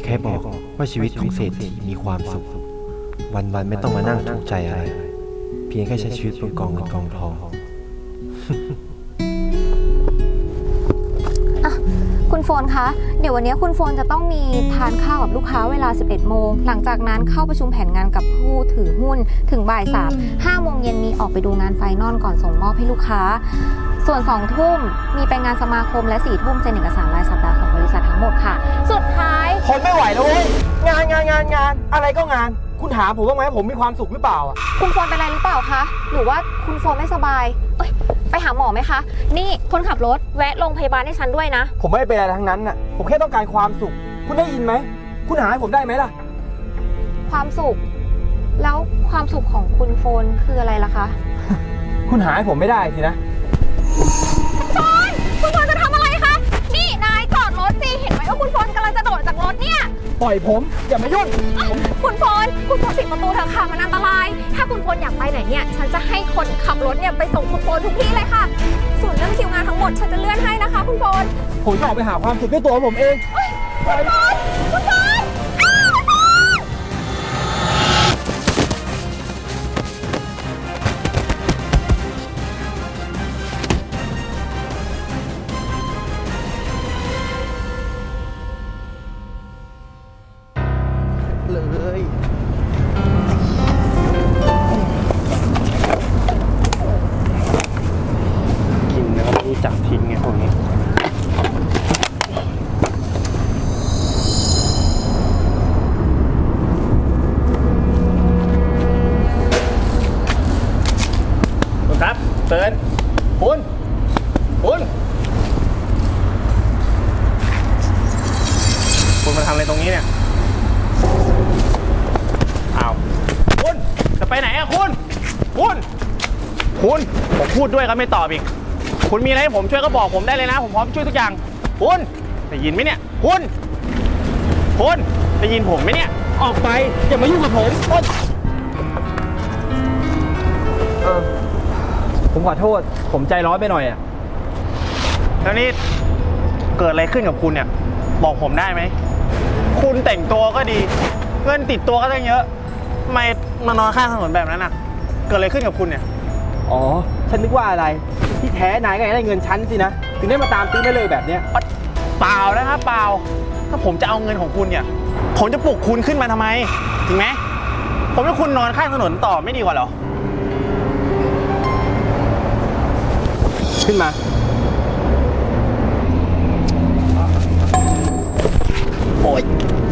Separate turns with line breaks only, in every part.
ใครบอกว่าชีวิตของเศรษฐีมีความสุขวันๆไม่ต้องมานั่งทุกข์ใจอะไรเพียงแค่ใช้ชีวิตบนกองเงินกองทอง
คุณโฟนคะเดี๋ยววันนี้คุณโฟนจะต้องมีทานข้าวกับลูกค้าเวลา 11 โมงหลังจากนั้นเข้าประชุมแผนงานกับผู้ถือหุ้นถึงบ่าย 3 5 โมงเย็นมีออกไปดูงานไฟนอลก่อนส่งมอบให้ลูกค้าส่วน 2 ทุ่มมีไปงานสมาคมและ 4 ทุ่มเซ็นเอกสารรายสัปดาห์ของบริษัททั้งหมดค่ะสุดท้าย
ทนไม่ไหวแล้วเว้ยงานอะไรก็งานคุณถามผมว่าไหมผมมีความสุขหรือเปล่าอ่ะ
คุณโฟนเป็นอะไรหรือเปล่าคะหรือว่าคุณโฟนไม่สบายไปหาหมอไหมคะนี่คนขับรถแวะโรงพยาบาลให้ฉันด้วยนะ
ผมไม่ได้เป็นอะไรทั้งนั้นน่ะผมแค่ต้องการความสุขคุณได้ยินไหมคุณหาให้ผมได้ไหมล่ะ
ความสุขแล้วความสุขของคุณโฟนคืออะไรล่ะคะ
คุณหาให้ผมไม่ได้สินะ
คุณโฟนจะทำอะไรคะนี่นายจอดรถสิเห็นไหมว่าคุณโฟนกำลังจะโดดจากรถเนี่ย
ปล่อยผมอย่ามายุ่ง
คุณโฟนปิดประตูเถอะค่ะมันอันตรายถ้าคุณโฟนอยากไปไหนเนี่ยฉันจะให้คนขับรถเนี่ยไปส่งคุณโฟนทุกที่เลยค่ะส่วนเรื่องคิวงานทั้งหมดฉันจะเลื่อนให้นะคะคุณโฟน
ผมจะออกไปหาความสุขด้วยตัวผมเอง
คุณโฟน
เลยกินแล้วรู้จักทิ้งไงพวกนี้คุณครับเตือนคุณมาทำอะไรตรงนี้เนี่ยอ้าวคุณจะไปไหนอะคุณผมพูดด้วยก็ไม่ตอบอีกคุณมีอะไรให้ผมช่วยก็บอกผมได้เลยนะผมพร้อมช่วยทุกอย่างคุณได้ยินไหมเนี่ยคุณได้ยินผมไหมเนี่ยออกไปอย่ามายุ่งกับผมผมขอโทษผมใจร้อนไปหน่อยอะแล้วนี่เกิดอะไรขึ้นกับคุณเนี่ยบอกผมได้ไหมคุณแต่งตัวก็ดีเงินติดตัวก็ตั้งเยอะทำไมมานอนข้างถนนแบบนั้นน่ะเกิดอะไรขึ้นกับคุณเนี่ยอ๋อฉันนึกว่าอะไรที่แท้นายก็ได้เงินฉันสินะถึงได้มาตามตื้อได้เลยแบบเนี้ยเปล่านะครับเปล่าถ้าผมจะเอาเงินของคุณเนี่ยผมจะปลุกคุณขึ้นมาทำไมจริงไหมผมให้คุณนอนข้างถนนต่อไม่ดีกว่าหรอขึ้นมาโอ๊ย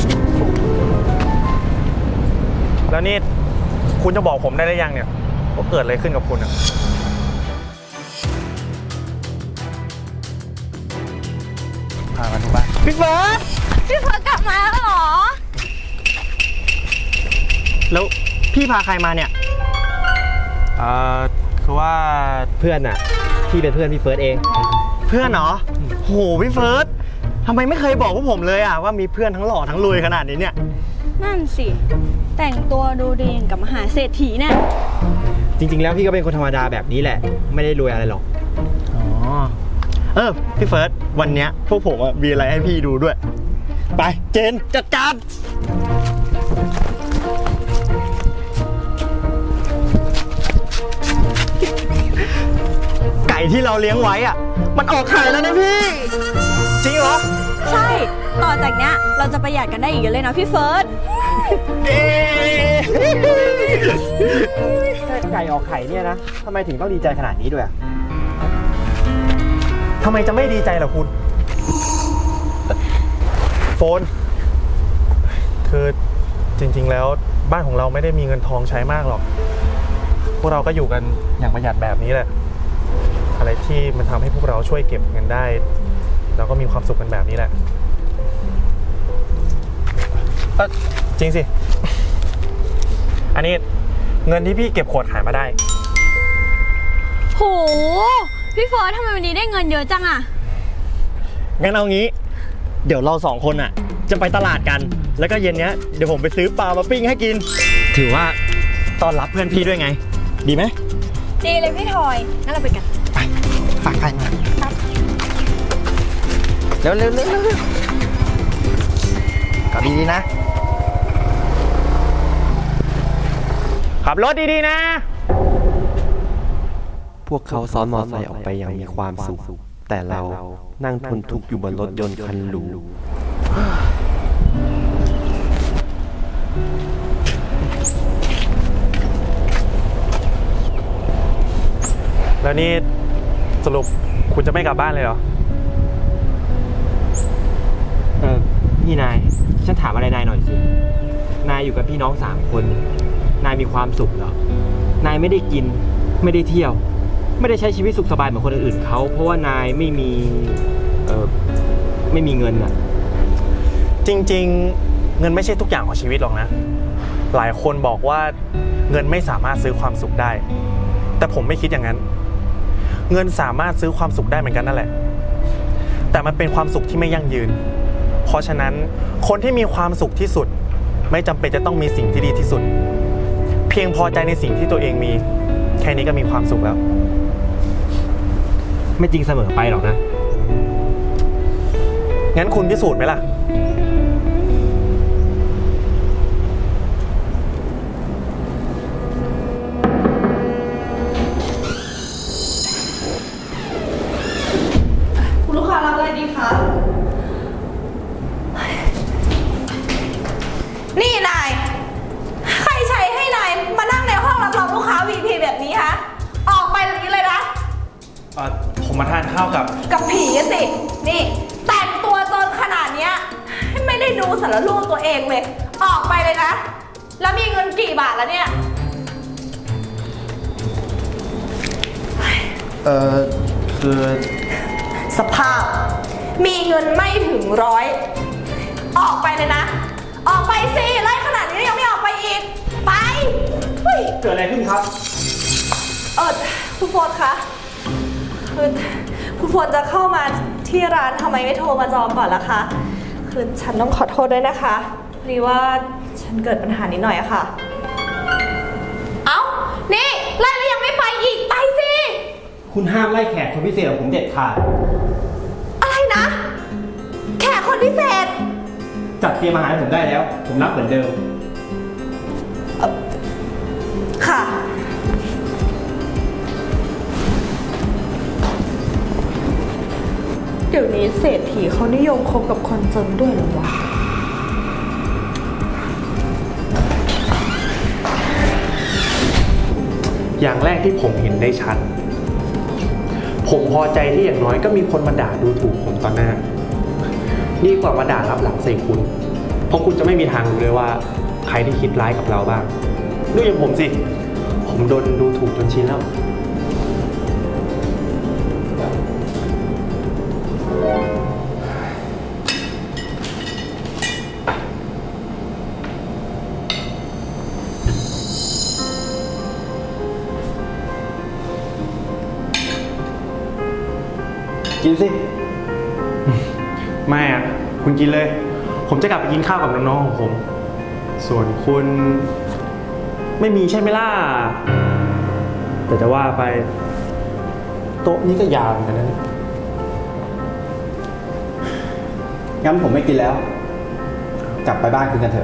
แล้วนี่คุณจะบอกผมได้หรือยังเนี่ยว่าเกิดอะไรขึ้นกับคุณอะพามาดูบ้านพี่เฟิร์ส
กลับมาแล้วเหรอ
แล้วพี่พาใครมาเนี่ยคือว่าเพื่อนอะพี่เป็นเพื่อนพี่เฟิร์สเองเพื่อนเหรอโหพี่เฟิร์สทำไมไม่เคยบอกพวกผมเลยอะว่ามีเพื่อนทั้งหล่อทั้งรวยขนาดนี้เนี่ย
นั่นสิแต่งตัวดูดีอย่างกับมหาเศรษฐีเนี่ย
จริงๆแล้วพี่ก็เป็นคนธรรมดาแบบนี้แหละไม่ได้รวยอะไรหรอกพี่เฟิร์สวันเนี้ยพวกผมมีอะไรให้พี่ดูด้วยไปเจนจัดการไก่ที่เราเลี้ยงไว้อะมันออกไข่แล้วนะพี่จริงเหรอ
ใช่ต่อจากเนี้ยเราจะประหยัดกันได้อีกเยอะเลยนะพี่เฟิร์ส
แค่ไก่ออกไข่เนี่ยนะทำไมถึงต้องดีใจขนาดนี้ด้วยทำไมจะไม่ดีใจล่ะคุณโฟนคือจริงๆแล้วบ้านของเราไม่ได้มีเงินทองใช้มากหรอกพวกเราก็อยู่กันอย่างประหยัดแบบนี้แหละอะไรที่มันทำให้พวกเราช่วยเก็บเงินได้เราก็มีความสุขกันแบบนี้แหละจริงสิอันนี้เงินที่พี่เก็บขวดขายมาได้
โหพี่เฟิร์สทำไมวันนี้ได้เงินเยอะจังอะ
งั้นเอางี้เดี๋ยวเราสองคนอะจะไปตลาดกันแล้วก็เย็นเนี้ยเดี๋ยวผมไปซื้อปลามาปิ้งให้กินถือว่าต้อนรับเพื่อนพี่ด้วยไงดีไหม
ดีเลยพี่ทอยงั้นเราไปกัน
ไปฝากใครมาเร็วกลับดี
ดีๆนะ
ขับรถดีๆนะ
พวกเขาซ้อนมอเตอร์ไซค์ออกไปอย่างมีความสุข แต่เรานั่งทนทุกข์อยู่บนรถยนต์คันหรู
แล้วนี่สรุปคุณจะไม่กลับบ้านเลยเหรอ
นี่นาย ฉันถามอะไรนายหน่อยสิ นายอยู่กับพี่น้อง3 คน นายมีความสุขเหรอ นายไม่ได้กิน ไม่ได้เที่ยว ไม่ได้ใช้ชีวิตสุขสบายเหมือนคนอื่นเขา เพราะว่านายไม่มีเงินอะ
จริงๆ เงินไม่ใช่ทุกอย่างของชีวิตหรอกนะ หลายคนบอกว่าเงินไม่สามารถซื้อความสุขได้ แต่ผมไม่คิดอย่างนั้น เงินสามารถซื้อความสุขได้เหมือนกันนั่นแหละ แต่มันเป็นความสุขที่ไม่ยั่งยืน เพราะฉะนั้นคนที่มีความสุขที่สุด ไม่จำเป็นจะต้องมีสิ่งที่ดีที่สุด เพียงพอใจในสิ่งที่ตัวเองมี แค่นี้ก็มีความสุขแล้ว
ไม่จริงเสมอไปหรอกนะ
งั้นคุณพิสูจน์ไหมล่ะ
คุณลูกค้ารับอะไรดีคะ นี่นาย ใครใช้ให้นายมานั่งในห้องรับรองลูกค้า VIP แบบนี้คะ ออกไปแบบนี้เลยนะ
ผมมาทานข้าวกับ
กับผีอะสิ นี่แต่งตัวจนขนาดเนี้ยไม่ได้ดูสารรูปตัวเองเลย ออกไปเลยนะ แล้วมีเงินกี่บาทแล้วเนี่ย
คือ
สภาพ มีเงินไม่ถึง100 ออกไปเลยนะ ออกไปสิไล่ขนาดนี้ยังไม่ออกไปอีก ไปเฮ้ย
เกิดอะไรขึ้นครับ
คุณโฟนคะคือคุณโฟนจะเข้ามาที่ร้านทำไมไม่โทรมาจองก่อนล่ะคะ คือฉันต้องขอโทษด้วยนะคะพอดีว่าฉันเกิดปัญหานิดหน่อยอะค่ะ เอ้า นี่ไล่แล้วยังไม่ไปอีก ไปสิ
คุณห้ามไล่แขกคนพิเศษของผมเด็ดขาด
อะไรนะ แขกคนพิเศษ
จัดเตรียมอาหารให้ผมได้แล้ว ผมรับเหมือนเดิม
ค่ะ เดี๋ยวนี้เศรษฐีเขานิยมคบกับคนจนด้วยเหรอวะ
อย่างแรกที่ผมเห็นได้ชัด ผมพอใจที่อย่างน้อยก็มีคนมาด่าดูถูกผมต่อหน้า ดีกว่ามาด่ารับหลังใส่คุณ เพราะคุณจะไม่มีทางรู้เลยว่าใครที่คิดร้ายกับเราบ้าง ดูอย่างผมสิ ผมโดนดูถูกจนชินแล้ว
กินสิ
ไม่อะคุณกินเลย ผมจะกลับไปกินข้าวกับน้องๆของผม ส่วนคุณไม่มีใช่ไหมล่ะ แต่จะว่าไปโต๊ะนี้ก็ยาวเหมือนกันนะเนี่ย
งั้นผมไม่กินแล้ว กลับไปบ้านคุณกันเถอะ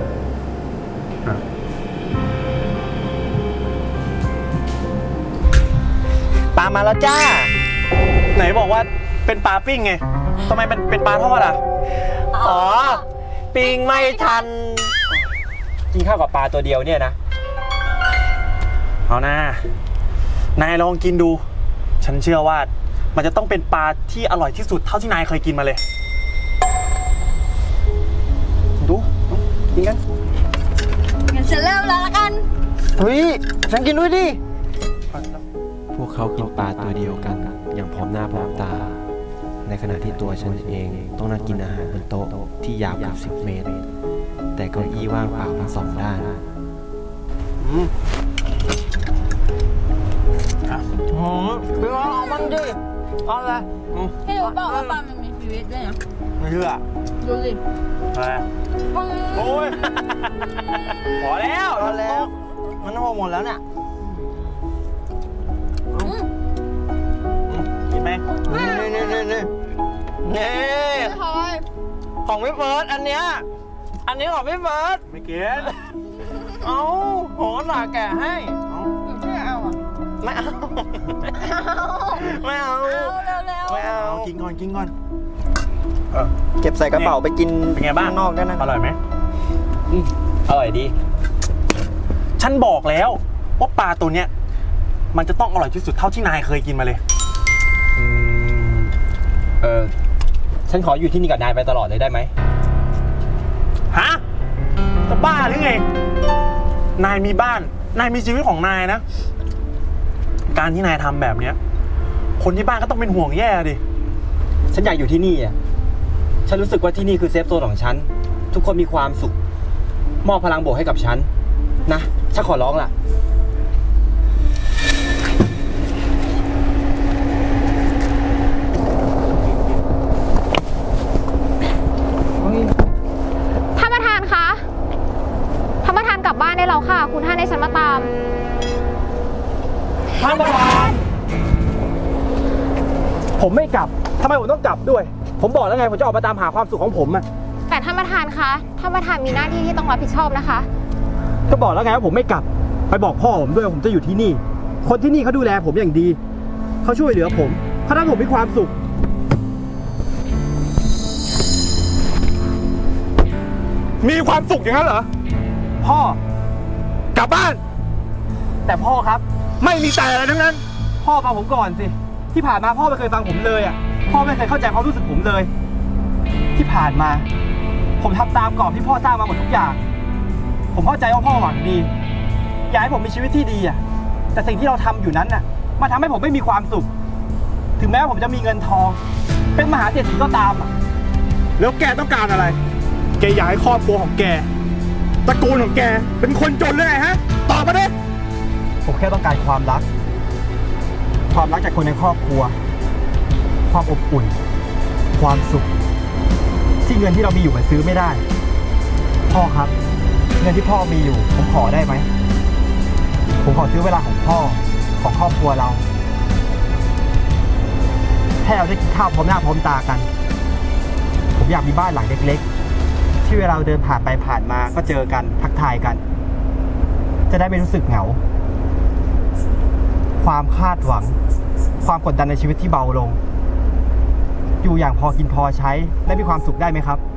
ปลามาแล้วจ้า
ไหนบอกว่าเป็นปลาปิ้งไงทำไมเป็นปลาทอดอ่ะ
อ๋อ ปิงไม่ทัน
กินข้าวกับปลาตัวเดียวเนี่ยนะ
เอานะนายลองกินดู ฉันเชื่อว่ามันจะต้องเป็นปลาที่อร่อยที่สุดเท่าที่นายเคยกินมาเลย ดูกินกัน
งั้นฉันเริ่มแล้วละกัน
เฮ้ย ฉันกินด้วยดิ
พวกเขากินปลาตัวเดียวกัน อย่างพร้อมหน้าพร้อมตา ในขณะที่ตัวฉันเองต้องนั่งกินอาหารบนโต๊ะที่ยาวเกือบ10 เมตร แต่เก้าอี้ว่างเปล่าทั้ง2 ด้าน
โอ้ยพี่ว่าเอามันดิเอาเลย
พี่รู้เปล่าว่าปลามันมีชีวิตด้วยนะ
ไม่เชื่อ
ดูสิ
อะไรโอ้ยพอแล้ว
เอาแล้ว มันโหหมดแล้วเนี่ย
กินไหม
นี่
ไม่พอย
ของพี่เฟิร์สอันเนี้ยอันนี้ของพี่เฟิร์ส
ไม่กิน เอาโหหลาแกะให้เอา
ไม่เอาอ่ะ
ไม่เอา ไม่เอา
เร็ว
ไม่เอา
กินก่อนกินก่อน
เก็บใส่กระเป๋าไปกินเป็นไงบ้างนอกได้นะอร่อยไหม
อร่อยดี
ฉันบอกแล้วว่าปลาตัวเนี้ยมันจะต้องอร่อยที่สุดเท่าที่นายเคยกินมาเลย
ฉันขออยู่ที่นี่กับนายไปตลอดเลยได้ไหม
ฮะ จะบ้าหรือไง นายมีบ้าน นายมีชีวิตของนายนะ การที่นายทำแบบเนี้ย คนที่บ้านก็ต้องเป็นห่วงแย่ดิ
ฉันอยากอยู่ที่นี่อ่ะ ฉันรู้สึกว่าที่นี่คือเซฟโซนของฉัน ทุกคนมีความสุข มอบพลังบวกให้กับฉัน นะ ฉันขอร้องล่ะ
ท่านประธานคะท่านประธานกลับบ้านได้แล้วค่ะ คุณท่านให้ฉันมาตาม
ท่านประธาน ผมไม่กลับ ทำไมผมต้องกลับด้วย ผมบอกแล้วไง ผมจะออกมาตามหาความสุขของผมอะ
แต่ท่านประธานคะท่านประธานมีหน้าที่ที่ต้องรับผิดชอบนะคะ
ก็บอกแล้วไงว่าผมไม่กลับ ไปบอกพ่อผมด้วยว่าผมจะอยู่ที่นี่ คนที่นี่เขาดูแลผมอย่างดี เขาช่วยเหลือผมเขาทำให้ผมมีความสุข
มีความสุขอย่างนั้นเหรอ
พ่อ
กลับบ้าน
แต่พ่อครับ
ไม่มีแต่อะไรทั้งนั้น
พ่อฟังผมก่อนสิ ที่ผ่านมาพ่อไม่เคยฟังผมเลยอ่ะ พ่อไม่เคยเข้าใจความรู้สึกผมเลย ที่ผ่านมา ผมทำตามกรอบที่พ่อสร้างมาหมดทุกอย่าง ผมเข้าใจว่าพ่อหวังดี อยากให้ผมมีชีวิตที่ดีอ่ะ แต่สิ่งที่เราทำอยู่นั้นน่ะมันทำให้ผมไม่มีความสุข ถึงแม้ว่าผมจะมีเงินทอง เป็นมหาเศรษฐีก็ตามอ่ะ
แล้วแกต้องการอะไร แกอยากให้ครอบครัวของแก ตระกูลของแก เป็นคนจนเลยฮะ ตอบมาดิ
ผมแค่ต้องการความรัก ความรักจากคนในครอบครัว ความอบอุ่น ความสุข ที่เงินที่เรามีอยู่มันซื้อไม่ได้ พ่อครับ เงินที่พ่อมีอยู่ ผมขอได้ไหม ผมขอซื้อเวลาของพ่อของครอบครัวเราให้เราได้กินข้าวพร้อมหน้าพร้อมตากัน ผมอยากมีบ้านหลังเล็กๆ ที่เวลาเราเดินผ่านไปผ่านมาก็เจอกันทักทายกัน จะได้ไม่รู้สึกเหงา ความคาดหวัง ความกดดันในชีวิตที่เบาลง อยู่อย่างพอกินพอใช้และมีความสุขได้ไหมครับ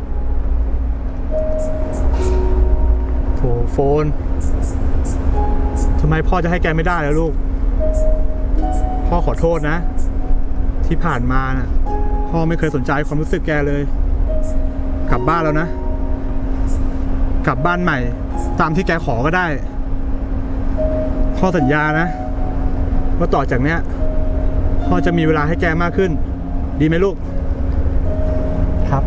โถโฟน ทำไมพ่อจะให้แกไม่ได้แล้วลูก พ่อขอโทษนะ ที่ผ่านมาน่ะ พ่อไม่เคยสนใจความรู้สึกแกเลย กลับบ้านแล้วนะ กลับบ้านใหม่ ตามที่แกขอก็ได้ พ่อสัญญานะ ว่าต่อจากเนี้ย พ่อจะมีเวลาให้แกมากขึ้น ดีไหมลูก
ครับ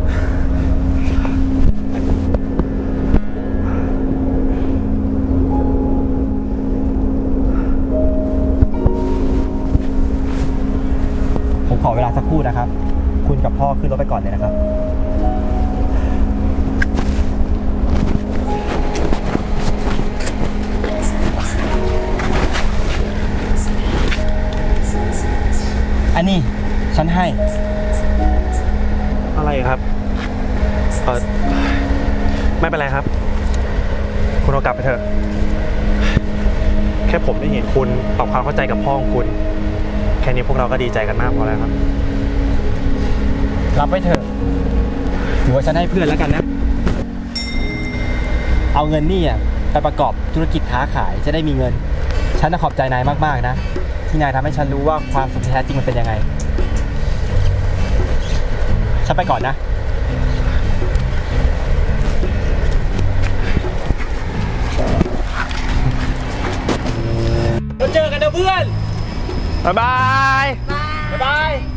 ผมขอเวลาสักครู่นะครับ คุณกับพ่อขึ้นรถไปก่อนเลยนะครับ อันนี้ฉันให้
อะไรครับ ไม่เป็นไรครับ คุณเอากลับไปเถอะ แค่ผมได้เห็นคุณปรับความเข้าใจกับพ่อของคุณ แค่นี้พวกเราก็ดีใจกันมากพอแล้วครับ
รับไว้เถอะ ถือว่าฉันให้เพื่อนแล้วกันนะ เอาเงินนี่อ่ะไปประกอบธุรกิจค้าขายจะได้มีเงิน ฉันขอบใจนายมากๆนะ ที่นายทำให้ฉันรู้ว่าความสุขที่แท้จริงมันเป็นยังไง ฉันไปก่อนนะ เราเจอกันนะเพื่อน
บ๊ายบาย
บ๊ายบาย